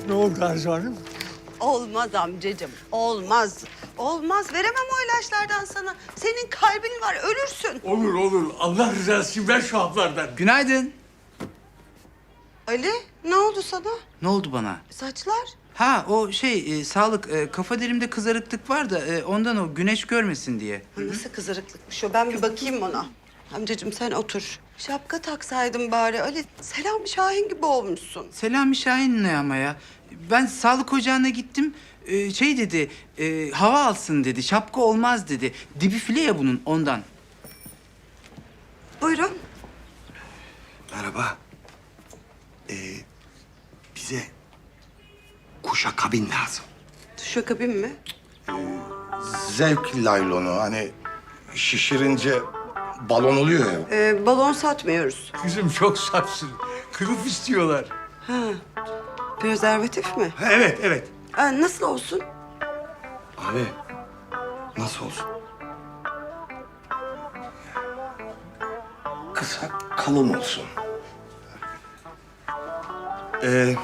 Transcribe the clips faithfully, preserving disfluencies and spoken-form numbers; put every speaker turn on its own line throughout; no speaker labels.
Ne oldu Arzu Hanım?
Olmaz amcacığım, olmaz. Olmaz, veremem o ilaçlardan sana. Senin kalbin var, ölürsün.
Olur olur. Allah rızası için ver şu haplardan.
Günaydın.
Ali, ne oldu sana?
Ne oldu bana?
Saçlar?
Ha o şey e, sağlık e, kafa derimde kızarıklık var da e, ondan o güneş görmesin diye.
Nasıl kızarıklıkmış o? Ben bir bakayım ona. Amcacığım sen otur. Şapka taksaydın bari. Ali, Selami Şahin gibi olmuşsun.
Selami Şahin ne ama ya? Ben sağlık ocağına gittim. e, şey dedi e, hava alsın dedi. Şapka olmaz dedi. Dibi file ya bunun ondan.
Buyurun.
Merhaba. Ee, bize kuşa kabin lazım.
Duşakabin mi?
Zevk laylonu hani şişirince balon oluyor ya.
Ee, balon satmıyoruz.
Kızım çok safsın. Kılıf istiyorlar.
Ha, prezervatif mi?
Ha, evet evet.
Ha, nasıl olsun?
Abi nasıl olsun? Kısa kalın olsun. Ee,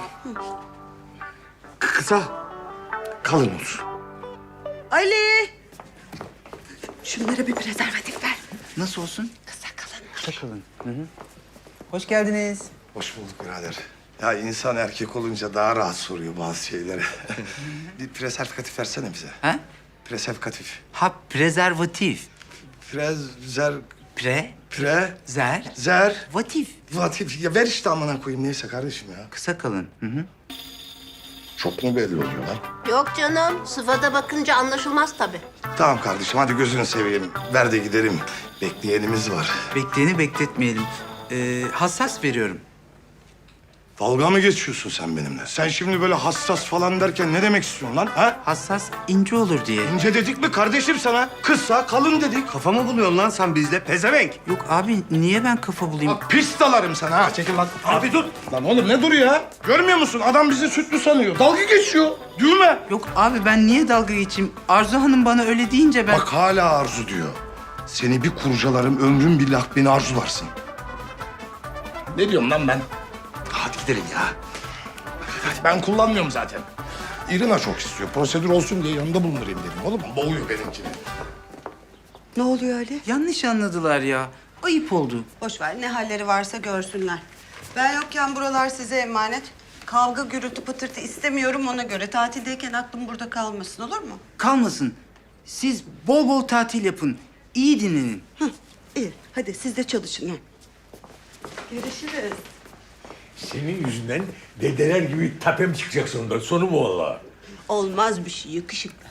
kısa kalın olsun.
Ali! Şunlara bir prezervatif ver.
Nasıl olsun?
Kısa kalın.
Kısa kalın. Hı hı. Hoş geldiniz.
Hoş bulduk birader. Ya insan erkek olunca daha rahat soruyor bazı şeyleri. Bir preservatif versene bize.
Ha?
Preservatif.
Ha prezervatif.
Prezer...
Pre
Pre...
zer
Zer...
vatif.
Vatif. Ya ver işte amına koyayım neyse kardeşim ya.
Kısa kalın. Hı hı.
Çok mu belli oluyor lan?
Yok canım, sıfata bakınca anlaşılmaz tabii.
Tamam kardeşim hadi gözünü seveyim. Ver de gidelim. Bekleyenimiz var.
Bekleyeni bekletmeyelim. Ee, hassas veriyorum.
Dalga mı geçiyorsun sen benimle? Sen şimdi böyle hassas falan derken ne demek istiyorsun lan? Ha?
Hassas ince olur diye.
İnce dedik mi kardeşim sana? Kısa, kalın dedik.
Kafa mı buluyorsun lan sen bizde pezevenk?
Yok abi niye ben kafa bulayım?
Bak pis dalarım sana ha. Çekil lan. Abi dur. Lan oğlum ne duruyor ya? Görmüyor musun? Adam bizi sütlü sanıyor. Dalga geçiyor. Düğme.
Yok abi ben niye dalga geçeyim? Arzu Hanım bana öyle deyince ben...
Bak hala arzu diyor. Seni bir kurcalarım, ömrüm billah beni arzularsın. Ne diyorum lan ben? Hadi gidelim ya. Hadi ben kullanmıyorum zaten. İrina çok istiyor. Prosedür olsun diye yanında bulundurayım dedim. Oğlum boğuyor benimkini.
Ne oluyor Ali?
Yanlış anladılar ya. Ayıp oldu.
Boş ver, ne halleri varsa görsünler. Ben yokken buralar size emanet. Kavga, gürültü, patırtı istemiyorum ona göre. Tatildeyken aklım burada kalmasın, olur mu?
Kalmasın. Siz bol bol tatil yapın. İyi dinlenin.
Hı, iyi. Hadi siz de çalışın. Ha. Görüşürüz.
Senin yüzünden dedeler gibi tepem çıkacak sonunda. Sonu bu vallahi.
Olmaz bir şey, yakışıklı.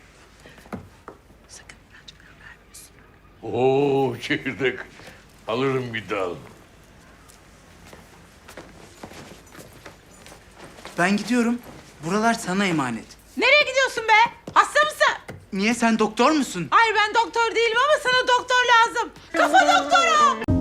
Sakın ilaç vermiyorsun.
Oo çekirdek. Alırım bir dal.
Ben gidiyorum. Buralar sana emanet.
Nereye gidiyorsun be? Hasta mısın?
Niye sen doktor musun?
Hayır ben doktor değilim ama sana doktor lazım. Kafa doktoru.